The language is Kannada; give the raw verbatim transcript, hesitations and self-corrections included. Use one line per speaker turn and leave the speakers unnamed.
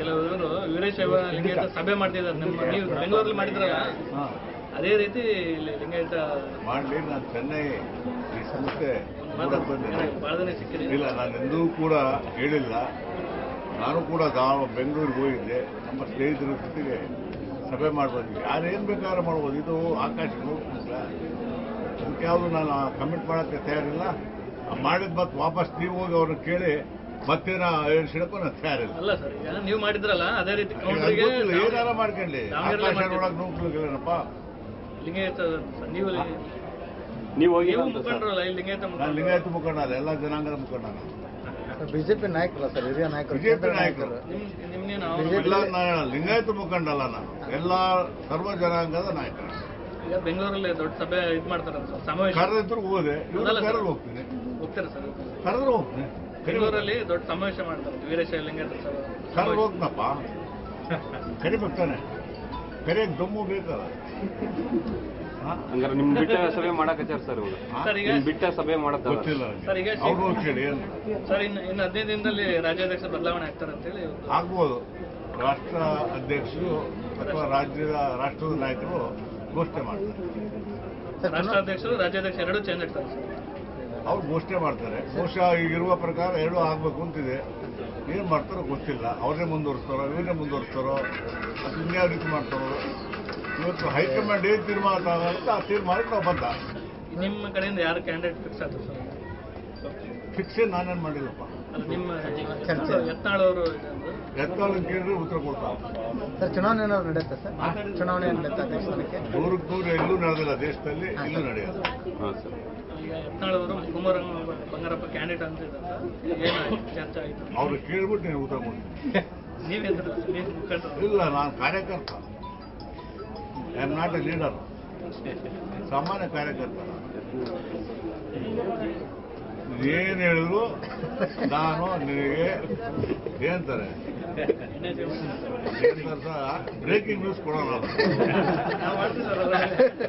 ಕೆಲವರು ವೀರಶೈವ ಲಿಂಗಾಯತ ಸಭೆ ಮಾಡ್ತಿದ್ದಾರೆ. ನಿಮ್ಮ ನೀವು ಬೆಂಗಳೂರಲ್ಲಿ ಮಾಡಿದ್ರಲ್ಲ, ಅದೇ ರೀತಿ ಲಿಂಗಾಯತ
ಮಾಡಲಿ. ನಾನು ಚೆನ್ನೈ ಈ ಸಂಸ್ಥೆ
ಬಹಳ ದಿನ ಸಿಕ್ಕಿದೆ.
ಇಲ್ಲ, ನಾನು ಎಂದೂ ಕೂಡ ಹೇಳಿಲ್ಲ. ನಾನು ಕೂಡ ನಾವು ಬೆಂಗಳೂರಿಗೆ ಹೋಗಿದ್ದೆ, ನಮ್ಮ ಸ್ನೇಹಿತರ ಜೊತೆಗೆ ಸಭೆ ಮಾಡ್ಬೋದು. ಯಾರು ಏನು ಬೇಕಾದ್ರೆ ಮಾಡ್ಬೋದು. ಇದು ಆಕಾಶ ನೋಡ್ತಿಲ್ಲ, ಅದಕ್ಕೆ ಯಾವುದು ನಾನು ಕಮಿಟ್ ಮಾಡೋಕ್ಕೆ ತಯಾರಿಲ್ಲ. ಮಾಡಿದ ಮತ್ತೆ ವಾಪಸ್ ನೀವು ಹೋಗಿ ಅವ್ರನ್ನ ಕೇಳಿ ಮತ್ತೇನ ಹೇಳ್ಸಿಡಕ್ಕೂ ನಾನು ತಯಾರಿಲ್ಲ.
ಅಲ್ಲ ಸರ್, ಈಗ ನೀವು ಮಾಡಿದ್ರಲ್ಲ ಅದೇ ರೀತಿ
ಏನಾರ ಮಾಡ್ಕೊಳ್ಳಿ. ಆಕಾಶ ನೋಡಕ್ ನೋಡ್ಲಿಲ್ಲಪ್ಪ
ಲಿಂಗಾಯತ ನೀವು
ನೀವು ಹೋಗಿ
ಮುಖಂಡ್ರಲ್ಲ ಇಲ್ಲಿ ಲಿಂಗಾಯತ
ನಾನು ಲಿಂಗಾಯತ ಮುಖಂಡ ಅಲ್ಲ, ಎಲ್ಲ ಜನಾಂಗದ ಮುಖಂಡ.
ಬಿಜೆಪಿ ನಾಯಕರಲ್ಲ ಸರ್, ಹಿರಿಯ ನಾಯಕರು,
ಬಿಜೆಪಿ ನಾಯಕರು. ಎಲ್ಲ ಲಿಂಗಾಯತ ಮುಖಂಡ ಅಲ್ಲ, ನಾನು ಎಲ್ಲ ಸರ್ವ ಜನಾಂಗದ ನಾಯಕರು.
ಈಗ ಬೆಂಗಳೂರಲ್ಲಿ ದೊಡ್ಡ ಸಭೆ ಇದು ಮಾಡ್ತಾರೆ ಸಮಾವೇಶ.
ಕರೆದಿದ್ರು ಹೋದೆ, ಕರೆದು ಹೋಗ್ತೀನಿ.
ಹೋಗ್ತಾರೆ ಸರ್?
ಕರೆದ್ರು ಹೋಗ್ತೀನಿ.
ಬೆಂಗಳೂರಲ್ಲಿ ದೊಡ್ಡ ಸಮಾವೇಶ ಮಾಡ್ತಾರೆ ವೀರಶೈವ ಲಿಂಗಾಯತ ಸಭೆ.
ಕರೆದು ಹೋಗ್ನಪ್ಪ, ಕರಿಬೇಕಾನೆ. ಕರಿಯಕ್ಕೆ ದಮ್ಮು ಬೇಕಲ್ಲ.
ಹಂಗಾರೆ ನಿಮ್ ಬಿಟ್ಟ ಸಭೆ ಮಾಡಕತ್ತಾರ ಸರ್ ಇವಾಗ? ಬಿಟ್ಟ ಸಭೆ ಮಾಡತ್ತ
ಗೊತ್ತಿಲ್ಲ ಅವ್ರು ಕೇಳಿ.
ಸರ್ ಇನ್ನು ಇನ್ನು ಹದಿನೈದು ದಿನದಲ್ಲಿ ರಾಜ್ಯಾಧ್ಯಕ್ಷ ಬದಲಾವಣೆ ಆಗ್ತಾರೆ ಅಂತ ಹೇಳಿ
ಆಗ್ಬೋದು. ರಾಷ್ಟ್ರ ಅಧ್ಯಕ್ಷರು ಅಥವಾ ರಾಜ್ಯದ ರಾಷ್ಟ್ರದ ನಾಯಕರು ಘೋಷಣೆ ಮಾಡ್ತಾರೆ.
ರಾಷ್ಟ್ರಾಧ್ಯಕ್ಷರು ರಾಜ್ಯಾಧ್ಯಕ್ಷ ಎರಡೂ ಚೇಂಜ್ ಆಗ್ತಾರೆ ಸರ್.
ಅವ್ರು ಘೋಷಣೆ ಮಾಡ್ತಾರೆ. ಬಹುಶಃ ಈಗಿರುವ ಪ್ರಕಾರ ಎರಡೂ ಆಗ್ಬೇಕು ಅಂತಿದೆ. ಏನ್ ಮಾಡ್ತಾರೋ ಗೊತ್ತಿಲ್ಲ. ಅವ್ರನ್ನೇ ಮುಂದುವರಿಸ್ತಾರೋ ಇವರನ್ನೇ ಮುಂದುವರಿಸ್ತಾರೋ ಅದು ಇನ್ಯಾವ ರೀತಿ ಮಾಡ್ತಾರೋ. ಇವತ್ತು ಹೈಕಮಾಂಡ್ ಏನ್ ತೀರ್ಮಾನ ತಗೊಳುತ್ತೆ ಆ ತೀರ್ಮಾನಕ್ಕೆ ನಾವು ಬಂದ.
ನಿಮ್ಮ ಕಡೆಯಿಂದ ಯಾರು ಕ್ಯಾಂಡಿಡೇಟ್ ಫಿಕ್ಸ್ ಆದ್ರು ಸರ್?
ಫಿಕ್ಸ್ ನಾನೇನು ಮಾಡಿಲ್ಲಪ್ಪ.
ನಿಮ್ಮ ಯತ್ನಾಳ್ ಅವರು
ಯತ್ನಾಳ್ ಕೇಳಿದ್ರೆ ಉತ್ತರ ಕೊಡ್ತಾರೆ
ಸರ್. ಚುನಾವಣೆ ಏನಾದ್ರು ನಡೆಯುತ್ತೆ ಸರ್? ಚುನಾವಣೆ ನಡೆಯುತ್ತೆ ಅಧ್ಯಕ್ಷ ಸ್ಥಾನಕ್ಕೆ?
ನೂರಕ್ಕೆ ನೂರು ಎಲ್ಲೂ ನಡೆದಿಲ್ಲ ದೇಶದಲ್ಲಿ, ಇಲ್ಲೂ ನಡೆಯೋದು.
ಈಗ ಯತ್ನಾಳ್ ಅವರು ಕುಮಾರ ಬಂಗಾರಪ್ಪ ಕ್ಯಾಂಡಿಡೇಟ್ ಅಂತ ಏನಾಯ್ತು ಚರ್ಚೆ ಆಯ್ತು?
ಅವ್ರು ಕೇಳ್ಬಿಟ್ಟು ನೀವು ಉತ್ತರ ಕೊಡ್ತೀನಿ.
ನೀವೇಂದ್ರೆ ನೀವು ಮುಖಂಡರು?
ಇಲ್ಲ, ನಾನು ಕಾರ್ಯಕರ್ತ. I am not a leader, ಸಾಮಾನ್ಯ ಕಾರ್ಯಕರ್ತ. ಏನ್ ಹೇಳಿದ್ರು ನಾನು ನಿನಗೆ ಏನಂತಾರೆ ಬ್ರೇಕಿಂಗ್ ನ್ಯೂಸ್ ಕೊಡೋಣ.